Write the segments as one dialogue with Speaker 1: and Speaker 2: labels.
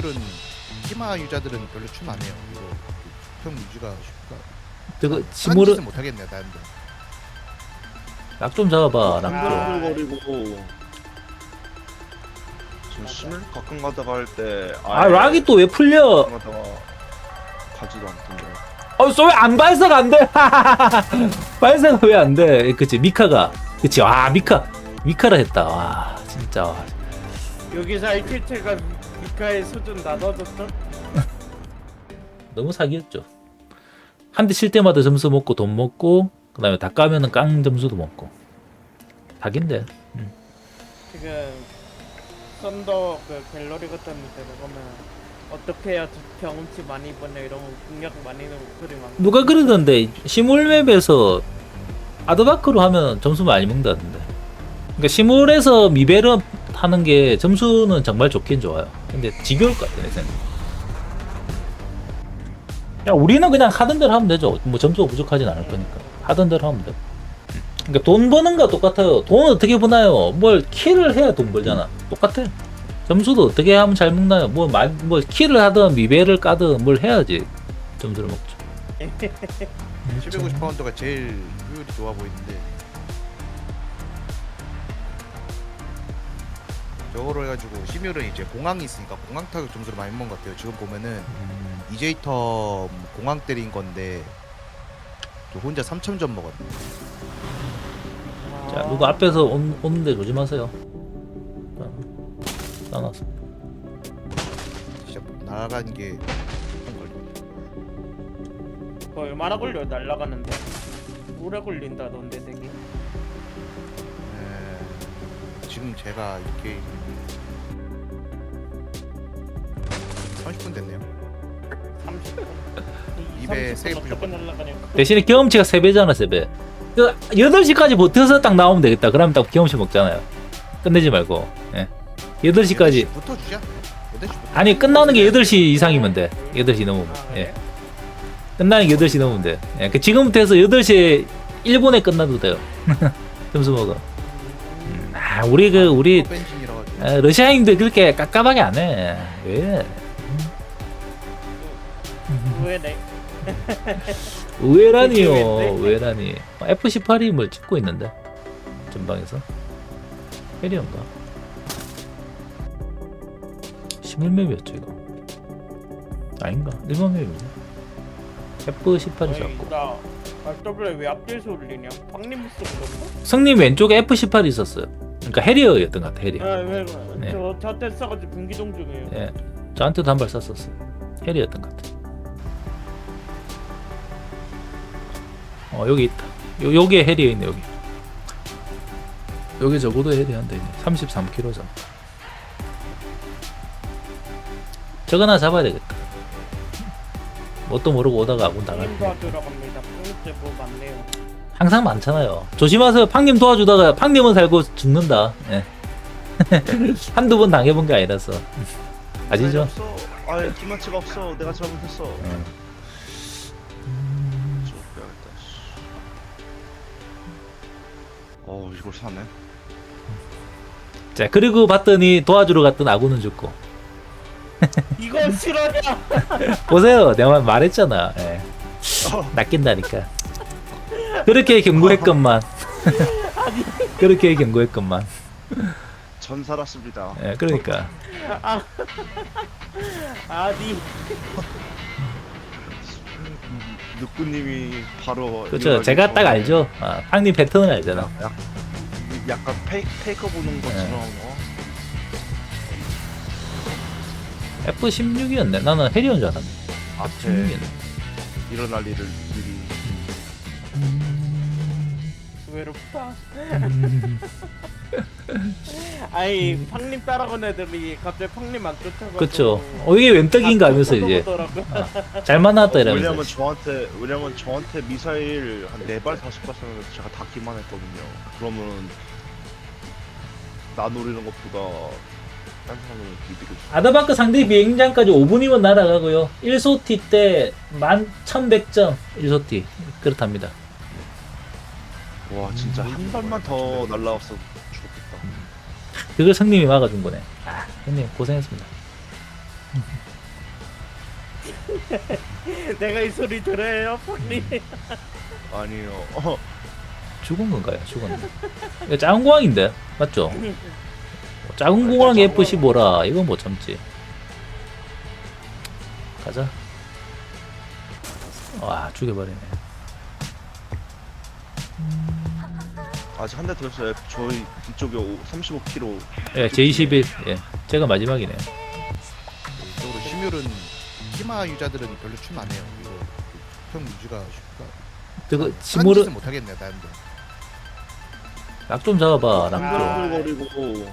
Speaker 1: 팀들은 팀화 유저들은 별로 춤 안 해요. 이거 수평 유지가 쉽다.
Speaker 2: 저거 시무르
Speaker 1: 못 하겠네 나는데.
Speaker 2: 락 좀 잡아봐. 락 좀.
Speaker 3: 한글거리고 저 심을 가끔 가다가 할 때
Speaker 2: 아 락이 또 왜 풀려?
Speaker 3: 가끔 가다가 가지도 않던데.
Speaker 2: 왜안 발사가 안 돼? 발사가 왜 안 돼? 그치 미카가 그치 미카라 했다. 와 진짜 와.
Speaker 4: 여기서 알킬체가 미카의 수준 나눠줬어?
Speaker 2: 너무 사기였죠. 한 대 칠 때마다 점수 먹고 돈 먹고 그 다음에 다 까면은 깡 점수도 먹고 사기인데.
Speaker 4: 지금 썬더 그 갤러리 같은 데 보면 어떻게 해야 경험치 많이 버냐 이런 거 공략 많이 넣고 소리 많고.
Speaker 2: 누가 그러던데 시물맵에서 아드바크로 하면 점수 많이 먹는다던데. 그러니까 시물에서 미벨을 하는 게 점수는 정말 좋긴 좋아요. 근데 지겨울 것 같아 내 생각. 야 우리는 그냥 하던 대로 하면 되죠. 뭐 점수가 부족하진 않을 거니까 하던 대로 하면 돼. 그러니까 돈 버는 거 똑같아요. 돈 어떻게 버나요? 뭘 킬을 해야 돈 벌잖아. 똑같아. 점수도 어떻게 하면 잘 먹나요? 뭐 킬을 하든 미벨을 까든 뭘 해야지 점수를 먹죠.
Speaker 1: 750파운드가 제일 효율이 좋아 보이는데 저거로 해가지고 시뮬은 이제 공항이 있으니까 공항 타격 점수를 많이 먹은 것 같아요. 지금 보면은 이제이터 공항 때린 건데 저 혼자 3,000점 먹었네.
Speaker 2: 자 누구 앞에서 오는데 조심하세요. 싸놨어.
Speaker 1: 진짜 나간 게
Speaker 4: 그거 얼마나 걸려 날라가는데? 오래 걸린다던데 되게.
Speaker 1: 지금 제가 이렇게 30분 됐네요.
Speaker 4: 30분.
Speaker 1: 입에 세이프
Speaker 4: 어떻게 날라가냐고.
Speaker 2: 대신에 경험치가 3배잖아 3배. 그 8시까지 버텨서 딱 나오면 되겠다. 그러면 딱 경험치 먹잖아요. 끝내지 말고. 예. 8시까지.
Speaker 1: 8시부터 주자. 8시부터.
Speaker 2: 아니 끝나는 게 8시 이상이면 돼. 8시 넘으면. 예. 끝나는 게 8시 넘으면 돼. 예. 그 지금부터 해서 8시에 일본에 끝나도 돼요. 점수 먹어. 우리
Speaker 1: 벤진이라 가지고.
Speaker 2: 러시아인들 그렇게 깝깝하게 안 해. 왜?
Speaker 4: 왜네?
Speaker 2: 의외라니요.
Speaker 4: 왜?
Speaker 2: 의외라니. F18이 뭘 찍고 있는데 전방에서 해리언가 시물맵이었죠 이거. 아닌가? 일본 맵이네. F18이 잡고
Speaker 4: 나 RW 왜 앞뒤에서 울리냐? 박님 목소리 들었어?
Speaker 2: 성님 왼쪽에 F18이 있었어요. 그러니까 해리어였던 것 같아. 해리어.
Speaker 4: 왜?
Speaker 2: 네.
Speaker 4: 저한테 써가지고 분기동 중이에요.
Speaker 2: 예. 저한테도 한 발 쐈었어. 해리였던 것 같아. 여기 있다. 여기에 해리어 있네 여기. 여기 적어도 해리어 한대 있네. 33kg 잡. 저거 하나 잡아야 되겠다. 뭣도 모르고 오다가 아군 당할
Speaker 4: 님
Speaker 2: 때.
Speaker 4: 도와주러 갑니다. punkte 뭐 많네요.
Speaker 2: 항상 많잖아요. 조심하세요. 팡님 도와주다가 팡님은 살고 죽는다. 예. 한두 번 당해본 게 아니라서. 아시죠?
Speaker 3: 없어. 아예 기마치가 없어. 내가 잘못했어. 좀 빼야겠다. 이걸 사네.
Speaker 2: 자 그리고 봤더니 도와주러 갔던 아군은 죽고.
Speaker 4: 이건 실화냐?
Speaker 2: 보세요. 내가 말했잖아. 예. 낚인다니까. 그렇게 경고했건만. 그렇게 경고했건만.
Speaker 3: 전 살았습니다.
Speaker 2: 예, 그러니까.
Speaker 4: 아니
Speaker 3: 누꾸님이 바로.
Speaker 2: 그렇죠. 제가 딱 알죠. 팡님 패턴을 알잖아.
Speaker 3: 약간 페이커 보는 것처럼.
Speaker 2: F16이었네. 나는 해리온 줄 알았네.
Speaker 3: 앞에
Speaker 2: F16이었네.
Speaker 3: 일어날 일을 미리.
Speaker 4: 외롭다. 아니 팡님 따라간 애들이 갑자기 팡님 안 쫓아가고.
Speaker 2: 그쵸. 이게 웬떡인가 하면서 이제 잘 만났다 이러면서.
Speaker 3: 왜냐면 저한테 미사일 한 4발 5발 쐈는데 제가 다 기만했거든요. 그러면 나 노리는 것보다 딴 사람은 이득이 줬어.
Speaker 2: 아드바크 상대 비행장까지 5분이면 날아가고요. 1소티 때 11,100점 1소티 그렇답니다.
Speaker 3: 와 진짜 한 발만 더 날라왔어 죽었겠다.
Speaker 2: 그걸 성님이 막아준 거네. 형님 고생했습니다.
Speaker 4: 내가 이 소리 들어요, 폰이.
Speaker 3: 아니요.
Speaker 2: 죽은 건가요? 죽었네. 이거 작은 공항인데 맞죠? 작은 공항 F15라 이건 못 참지. 가자. 와 죽여버리네.
Speaker 3: 아직 한 대 더 있어요. 저희 이쪽에 35km.
Speaker 2: 예, J21. 예, 제가 마지막이네요.
Speaker 1: 이쪽으로 심율은 키마 유저들은 별로 춤 안 해요. 이거 평 유지가 쉽다.
Speaker 2: 저거
Speaker 1: 딴
Speaker 2: 시무르
Speaker 1: 짓은 못 하겠네, 나름대로.
Speaker 2: 락 좀 잡아봐. 락 좀.
Speaker 3: 한글거리고.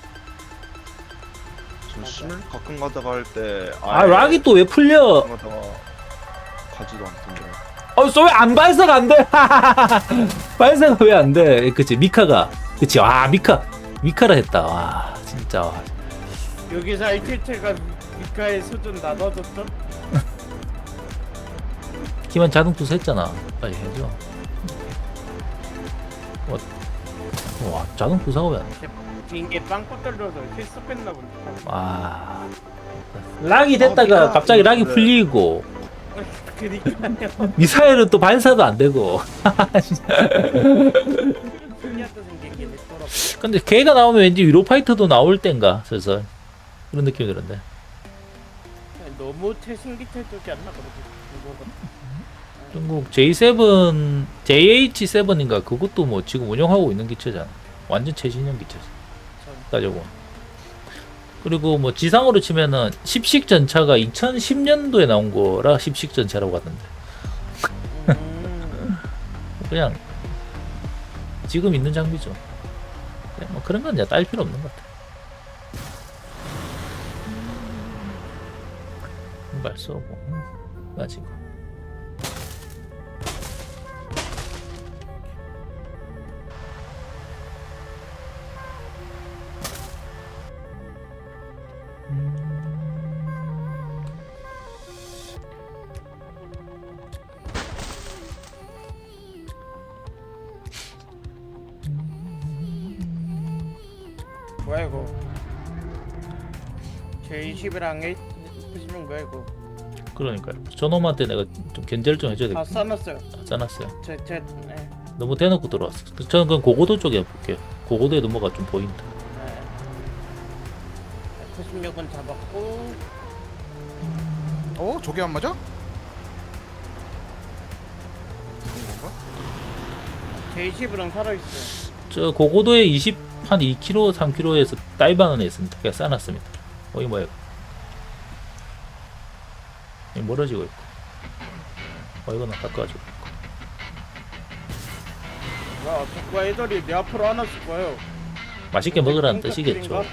Speaker 3: 저 심을 가끔 가다가 할 때.
Speaker 2: 아 락이 또 왜 풀려?
Speaker 3: 가끔 가다가 가지도 않던데.
Speaker 2: 왜안 발사가 안 돼? 발사가 왜 안 돼? 그치 미카가. 그치 와 미카라 했다. 와 진짜. 와.
Speaker 4: 여기서 알킬체가 미카의 수준 나눠줬죠?
Speaker 2: 기만 자동 투사 했잖아. 빨리 해줘. 와 자동 투사가 왜 안 돼?
Speaker 4: 빙게 빵꾸 떨려서 실수했나 본데.
Speaker 2: 와 락이 됐다가 갑자기 락이 풀리고
Speaker 4: 그니까요.
Speaker 2: 미사일은 또 발사도 안 되고.
Speaker 4: 신기하다 생기긴 했더라고.
Speaker 2: 근데 걔가 나오면 왠지 유로파이터도 나올 땐가 슬슬 그런 느낌이 드는데.
Speaker 4: 너무 최신기체적이 안 나거든.
Speaker 2: 중국 J7, JH7인가 그것도 뭐 지금 운영하고 있는 기체잖아. 완전 최신형 기체지. 따져보. 그리고 뭐 지상으로 치면은 10식 전차가 2010년도에 나온 거라 10식 전차라고 하던데. 그냥 지금 있는 장비죠. 그냥 뭐 그런 건 이제 딸 필요 없는 것 같아. 말 쏘고 가지고.
Speaker 4: 뭐야 이거? J20이랑 H16 뭐야 이거?
Speaker 2: 그러니까요. 저놈한테 내가 좀 견제를 좀 해줘야
Speaker 4: 다
Speaker 2: 되겠다.
Speaker 4: 써놨어요.
Speaker 2: 짜놨어요.
Speaker 4: 네.
Speaker 2: 너무 대놓고 들어왔어. 저는 그럼 고고도 쪽에 해볼게요. 고고도에도 뭐가 좀 보인다.
Speaker 4: 네. F16은 잡았고
Speaker 1: 저게 안 맞아?
Speaker 4: J20이랑 살아있어요.
Speaker 2: 저 고고도에 한 2km, 3km에서 다이브하는 애 있습니다. 그냥 싸놨습니다. 이거 뭐야? 이거 멀어지고 있고. 이거는 깎아주고 있고.
Speaker 4: 야, 자꾸 애들이 내 앞으로 안 왔을 거예요.
Speaker 2: 맛있게 먹으라는 뜻이겠죠.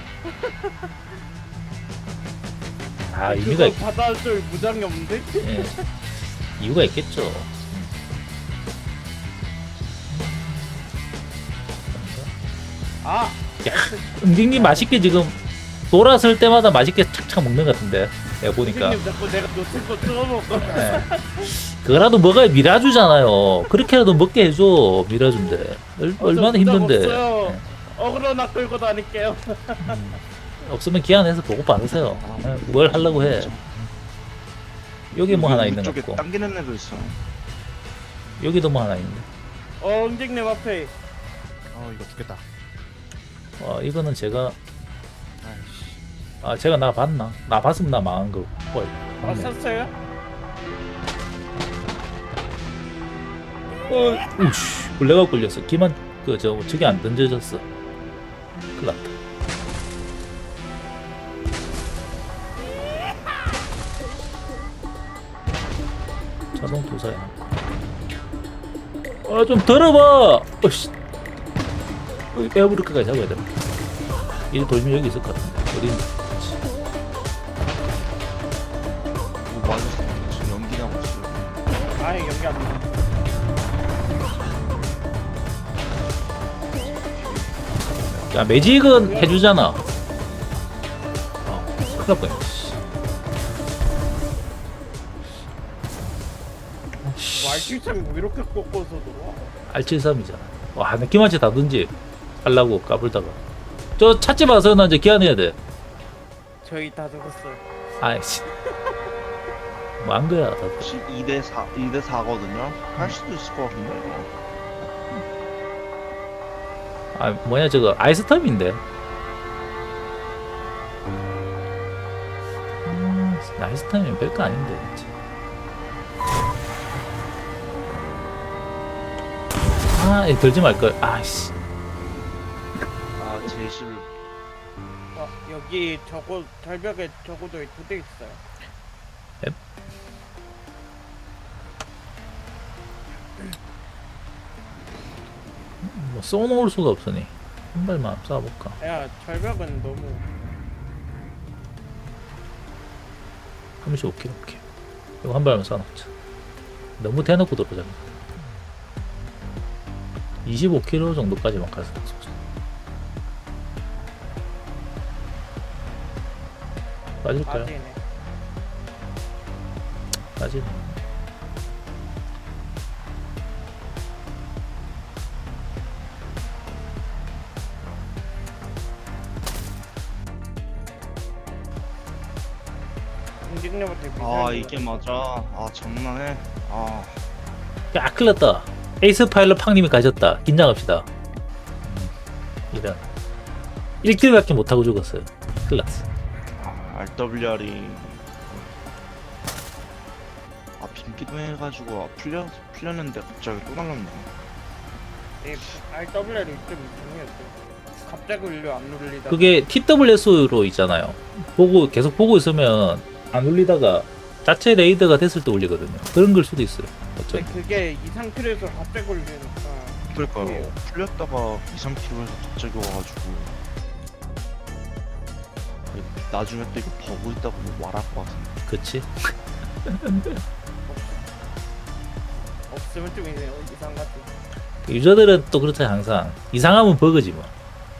Speaker 2: 아 의미가 있,
Speaker 4: 받아줄 무장이 없는데?
Speaker 2: 예. 이유가 있겠죠.
Speaker 4: 아!
Speaker 2: 응징님 맛있게 지금 돌았을 때마다 맛있게 착착 먹는 것 같은데 내가 보니까.
Speaker 4: 선생님 자꾸 내가 놓칠 거 뜯어먹고.
Speaker 2: 예. 그거라도 먹어야 미라주잖아요. 그렇게라도 먹게 해줘. 미라주인데 얼마나 힘든데. 예.
Speaker 4: 어그로나 끌고 다닐게요.
Speaker 2: 없으면 기한해서 보고 받으세요. 뭘 하려고 해. 여기 뭐 하나 있는 것
Speaker 3: 쪽에
Speaker 2: 같고
Speaker 3: 당기는 애도 있어.
Speaker 2: 여기도 뭐 하나 있는데.
Speaker 4: 응징님 앞에.
Speaker 1: 이거 죽겠다.
Speaker 2: 이거는 제가
Speaker 1: 아이씨.
Speaker 2: 제가 나 봤나? 나 봤으면 나 망한 거. 맞네.
Speaker 4: 썼어요?
Speaker 2: 우씨 블레가 걸렸어. 기만 저기 안 던져졌어. 큰일 났다. 자동 도사야. 좀 들어봐. 에어브리크까지 잡아야 돼. 이 돌면 여기 있을 것 같은데. 어디 있나?
Speaker 3: 맞았어. 지금 연기 나고 있어.
Speaker 4: 아예 연기 안 나.
Speaker 2: 야 매직은 해주잖아. 큰일 날 뻔했네.
Speaker 4: 말실창 뭐 이렇게 꺾어서 들어와?
Speaker 2: R73이잖아. 와, 나 기마치 다든지 하려고 까불다가. 저 찾지 마세요. 나 이제 기한해야 돼.
Speaker 4: 저희 다 죽었어요.
Speaker 2: 아이씨. 뭐 한 거야, 다들.
Speaker 3: 2대 4거든요. 할 수도 있을 것 같은데.
Speaker 2: 아, 뭐냐, 저거, 아이스텀인데. 아이스텀이면 별거 아닌데, 진짜. 아, 이거 들지 말걸. 아이씨.
Speaker 3: 아 제실
Speaker 4: 여기 저거 절벽에 저거도 2대 있어요.
Speaker 2: 뭐, 쏘놓을 수가 없으니. 한 발만 쏴볼까.
Speaker 4: 야 절벽은 너무
Speaker 2: 35kg, 오케이. 이거 한 발만 쏴놓자. 너무 대놓고 들어오자. 25kg 정도까지만 가서 쏘자. 빠질까요?
Speaker 4: 빠지네.
Speaker 2: 빠지네.
Speaker 4: 움직임부터
Speaker 3: 아 이게 맞아. 아 장난해. 아
Speaker 2: 야, 큰일 났다. 에이스 파일럿 팡님이 가셨다. 긴장합시다. 이런. 1킬밖에 못하고 죽었어요. 큰일 났어.
Speaker 3: RWR이 빈기도 해가지고 풀렸는데 갑자기 또 날랐네.
Speaker 4: 이 RWR이 좀 이상해요. 갑자기 울려 안 울리다.
Speaker 2: 그게 TWS로 있잖아요. 계속 보고 있으면 안 울리다가 자체 레이더가 됐을 때 울리거든요. 그런 걸 수도 있어요. 어쩌면.
Speaker 4: 근데 그게 이 상태에서 갑자기 울리니까.
Speaker 3: 그러니까요. 풀렸다가 2-3km에서 갑자기 와가지고 나중에 또 이거 버그 있다고 뭐 말할 것 같은데.
Speaker 2: 그치?
Speaker 4: 없으면 좀 이상 같아.
Speaker 2: 유저들은 또 그렇잖아요. 항상. 이상하면 버그지 뭐.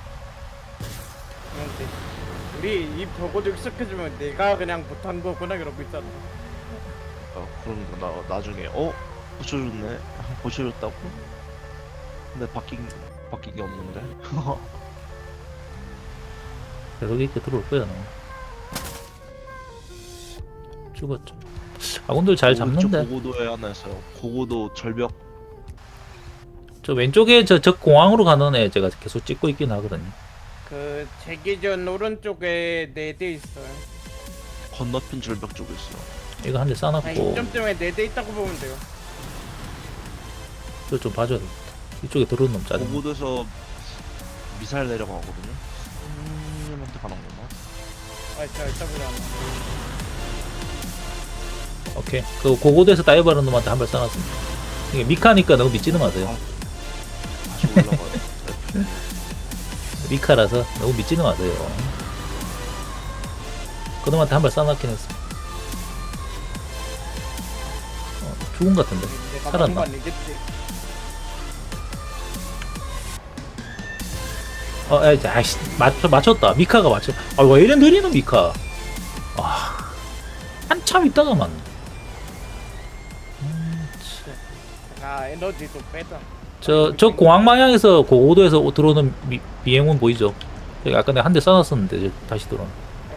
Speaker 4: 근데 우리 이 벽어도 익숙해지면 내가 그냥 못한 거구나 이러고 있잖아.
Speaker 3: 그런 거 나중에 고쳐줬네. 고쳐줬다고? 근데 바뀐 게 없는데.
Speaker 2: 계속 이렇게 들어올 거야, 너. 죽었죠. 아군들 잘 잡는데.
Speaker 3: 고고도에 하나 있어요. 고고도 절벽.
Speaker 2: 저 왼쪽에 적 공항으로 가는 애 제가 계속 찍고 있긴 하거든요.
Speaker 4: 그 제기전 오른쪽에 4대 있어요.
Speaker 3: 건너편 절벽 쪽에 있어요.
Speaker 2: 이거 한 대
Speaker 4: 아,
Speaker 2: 싸놨고
Speaker 4: 이점쯤에 4대 있다고 보면 돼요.
Speaker 2: 이거 좀 봐줘야 돼. 이쪽에 들어오는 놈 짜증나.
Speaker 3: 고고도에서 미사일 내려가거든요. 한테 가는 건가?
Speaker 4: 아, 저 RWR 안 나.
Speaker 2: 오케이. 그 고고도에서 다이버하는 놈한테 한 발 쏴놨습니다. 이게 미카니까 너무 믿지는 마세요.
Speaker 3: 다시 올라가요.
Speaker 2: 미카라서 너무 믿지는 마세요. 그 놈한테 한 발 쏴놨긴 했어. 죽은 것 같은데.
Speaker 4: 내가
Speaker 2: 살았나?
Speaker 4: 먹은 거 아니겠지?
Speaker 2: 아이씨, 맞췄다. 미카가 맞췄. 아, 왜 이래 느리노, 미카. 아, 한참 있다가 맞네.
Speaker 4: 아, 에너지도 빼자.
Speaker 2: 저 공항 방향에서 고고도에서 들어오는 비행운 보이죠? 여기 아까 내가 한 대 쏴놨었는데 이제 다시 들어오는.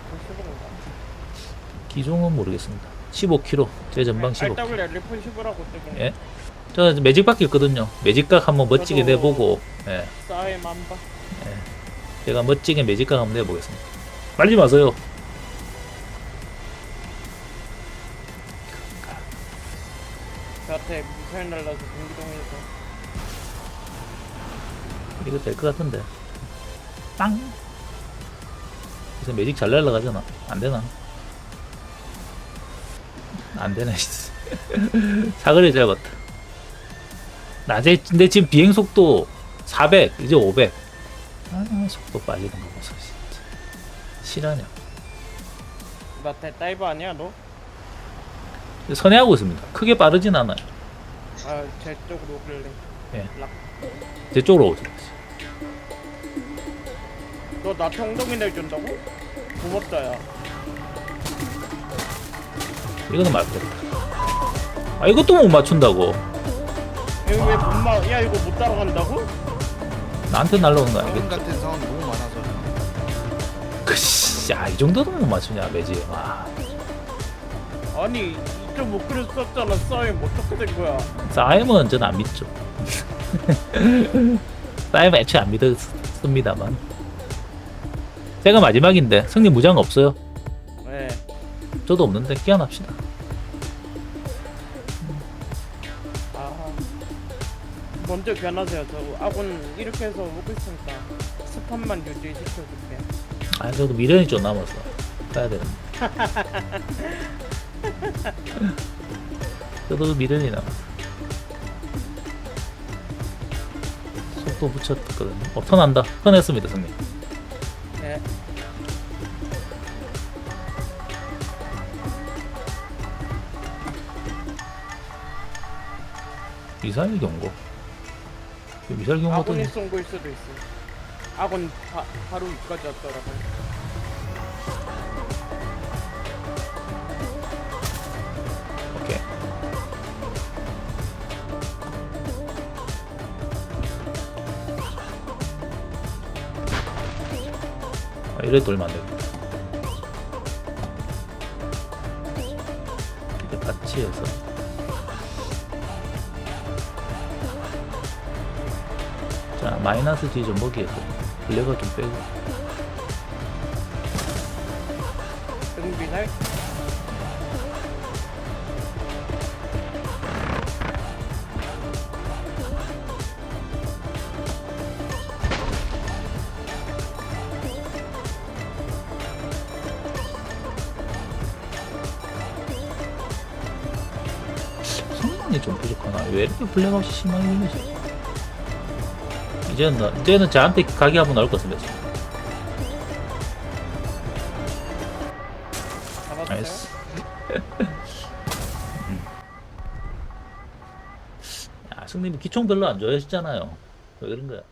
Speaker 2: 기종은 모르겠습니다. 15km. 제 전방 15km.
Speaker 4: RWR 리폰 10이라고 뜨긴.
Speaker 2: 예. 저 매직밖에 있거든요. 매직각 한번 멋지게
Speaker 4: 저도-
Speaker 2: 내보고, 예.
Speaker 4: 싸에 만바.
Speaker 2: 제가 멋지게 매직각 한번 내보겠습니다. 빨리 마세요.
Speaker 4: 저한테 미사일 날라서 공기동에서.
Speaker 2: 이거 될 것 같은데. 빵! 그래서 매직 잘 날라가잖아. 안 되나? 안 되네. 사거리 짧았다. 낮에, 근데 지금 비행 속도 400, 이제 500. 아, 속도 빠지는 거 보소, 진짜. 실화냐.
Speaker 4: 나 다이버 아니야 너?
Speaker 2: 선회하고 있습니다. 크게 빠르진 않아요.
Speaker 4: 아, 제 쪽으로 오길래.
Speaker 2: 예.
Speaker 4: 락.
Speaker 2: 제 쪽으로 오죠.
Speaker 4: 너 나 평동이 내준다고? 고맙다 야.
Speaker 2: 이거는 맞겠다. 아, 이것도 못 맞춘다고.
Speaker 4: 이거 왜 못 막? 야 이거 못 따라간다고?
Speaker 2: 나한테 날라오는 거
Speaker 1: 지금
Speaker 2: 아니겠지?
Speaker 1: 같은 상황 너무 많아서
Speaker 2: 야, 이 정도도 못 맞추냐, 매지. 와.
Speaker 4: 아니 2.5kg 썼잖아. 싸임 어떻게 된 거야?
Speaker 2: 싸임은 저는 안 믿죠. 싸임은 애초에 안 믿었습니다만. 제가 마지막인데 승리 무장 없어요.
Speaker 4: 네.
Speaker 2: 저도 없는데 끼어납시다.
Speaker 4: 아 먼저 변하세요. 저 아군 이렇게 해서 먹고 있으니까 스팟만 유지시켜줄게.
Speaker 2: 아 저도 미련이 좀 남아서 가야 되는데. 저도 미련이 남아서 속도 붙였거든요. 턴한다. 턴했습니다 승리.
Speaker 4: 네.
Speaker 2: 미사일 경고. 미사일 경고
Speaker 4: 아군이
Speaker 2: 던
Speaker 4: 쏜 거일 수도 있어. 아군 바로 위까지 왔더라고.
Speaker 2: 오케이. 아, 이래 돌면 안 되겠다. 이렇게 같이 해서. 자, 마이너스 D 좀 먹이에서 블랙을 좀 빼고.
Speaker 4: 등비날.
Speaker 2: 성능이 좀 부족하나? 왜 이렇게 블랙아웃이 심하게 걸리지? 이제는 저한테 가게 한번 나올 것 같습니다.
Speaker 4: 잡았어요?
Speaker 2: 나이스. 야, 승님이 기총 별로 안 좋아하시잖아요. 왜 그런 거야?